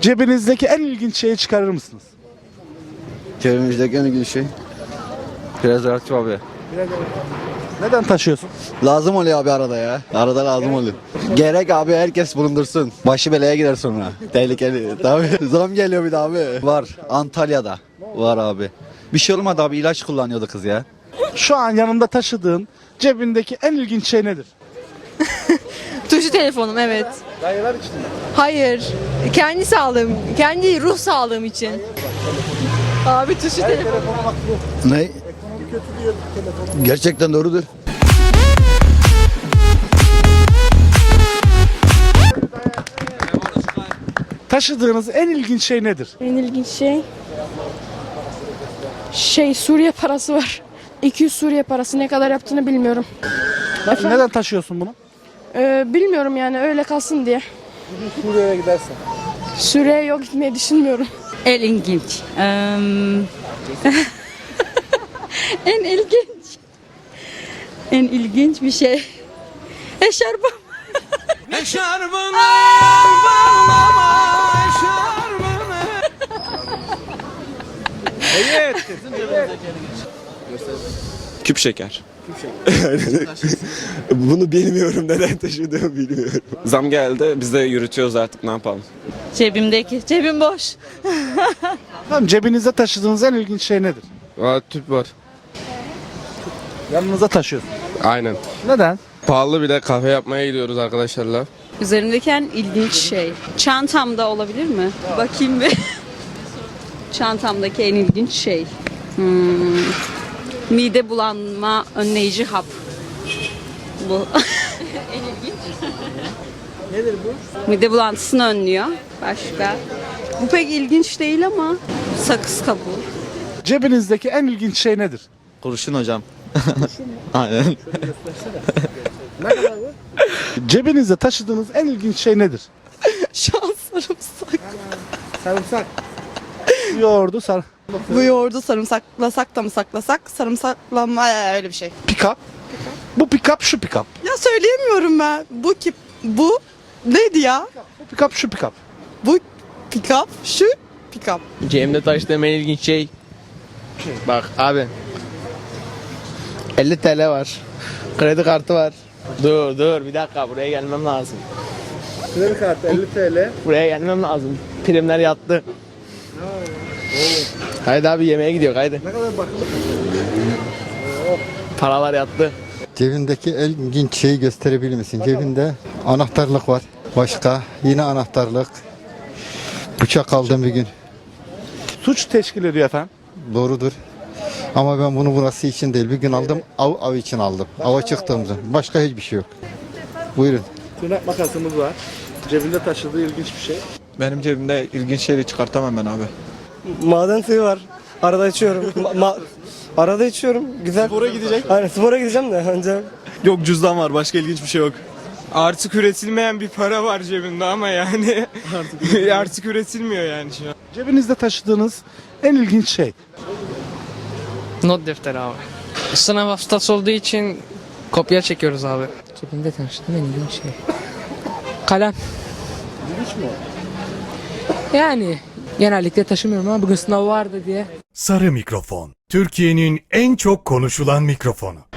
Cebinizdeki en ilginç şeyi çıkarır mısınız? Cebimizdeki en ilginç şey. Prezervatif abi. Neden taşıyorsun? Lazım oluyor abi arada ya. Arada lazım oluyor. Gerek abi, herkes bulundursun. Başı belaya gider sonra. Tehlikeli. Tabii. Zam geliyor bir de abi. Var. Antalya'da. Var abi. Bir şey olmadı abi, ilaç kullanıyordu kız ya. Şu an yanında taşıdığın cebindeki en ilginç şey nedir? Tuşlu telefonum, evet. Dayılar için mi? Hayır. Kendi sağlığım, kendi ruh sağlığım için. Abi tuşlu telefon. Telefona bak bu. Ne? Ekonomi kötü diyor telefonu. Gerçekten doğrudur. Taşıdığınız en ilginç şey nedir? En ilginç şey Suriye parası var. 200 Suriye parası ne kadar yaptığını bilmiyorum. Neden taşıyorsun bunu? Bilmiyorum yani öyle kalsın diye. Suriye'ye gidersen. Suriye'ye yok gitmeyi düşünmüyorum. En ilginç. En ilginç. En ilginç bir şey. Eşarbım. Küp şeker. Bunu bilmiyorum, neden taşıdığımı bilmiyorum. Zam geldi, biz de yürütüyoruz artık, ne yapalım. Cebim boş. Tamam, cebinizde taşıdığınız en ilginç şey nedir? Tüp var. Yanınıza taşıyorsun. Aynen. Neden? Pahalı bir de kahve yapmaya gidiyoruz arkadaşlarla. Üzerimdeki en ilginç şey. Çantamda olabilir mi? Bakayım bir. Çantamdaki en ilginç şey. Mide bulanma önleyici hap. Bu. En ilginç. Nedir bu? Mide bulantısını önlüyor. Başka. Bu pek ilginç değil ama sakız kabuğu. Cebinizdeki en ilginç şey nedir? Kurşun hocam. Aynen. Ne kadar bu? Cebinizde taşıdığınız en ilginç şey nedir? Şu an sarımsak. Sarımsak. Yoğurdu, Bu yoğurdu sarımsaklasak da mı saklasak? Sarımsaklama öyle bir şey. pick-up. Bu pick-up, şu pick-up. Ya söyleyemiyorum ben. Bu neydi ya? Bu pick-up, şu pick-up. Bu pick-up, şu pick-up. Cebimde taşıdığım en ilginç şey. Bak abi. 50 TL var. Kredi kartı var. Dur bir dakika, buraya gelmem lazım. Kredi kartı 50 TL. Buraya gelmem lazım. Primler yattı. Haydi abi, yemeğe gidiyor, haydi. Ne kadar bakın. Paralar yattı. Cebindeki en ilginç şeyi gösterebilir misin? Cebinde anahtarlık var. Başka yine anahtarlık. Bıçak aldım bir gün. Suç teşkil ediyor efendim. Doğrudur. Ama ben bunu burası için değil. Bir gün aldım, av için aldım. Ava çıktığımda. Başka hiçbir şey yok. Buyurun. Tırnak makasımız var. Cebinde taşıdığı ilginç bir şey. Benim cebimde ilginç şeyleri çıkartamam ben abi. Maden suyu var. Arada içiyorum. Arada içiyorum. Güzel. Spora gidecek. Aynen, spora gideceğim de önce. Yok, cüzdan var, başka ilginç bir şey yok. Artık üretilmeyen bir para var cebimde ama yani artık üretilmiyor yani şu an. Cebinizde taşıdığınız en ilginç şey. Not defteri abi. Sınav haftası olduğu için kopya çekiyoruz abi. Cebimde taşıdığım en ilginç şey. Kalem. İlginç mi o? Yani genellikle taşımıyorum ama bugün sınav vardı diye. Sarı mikrofon. Türkiye'nin en çok konuşulan mikrofonu.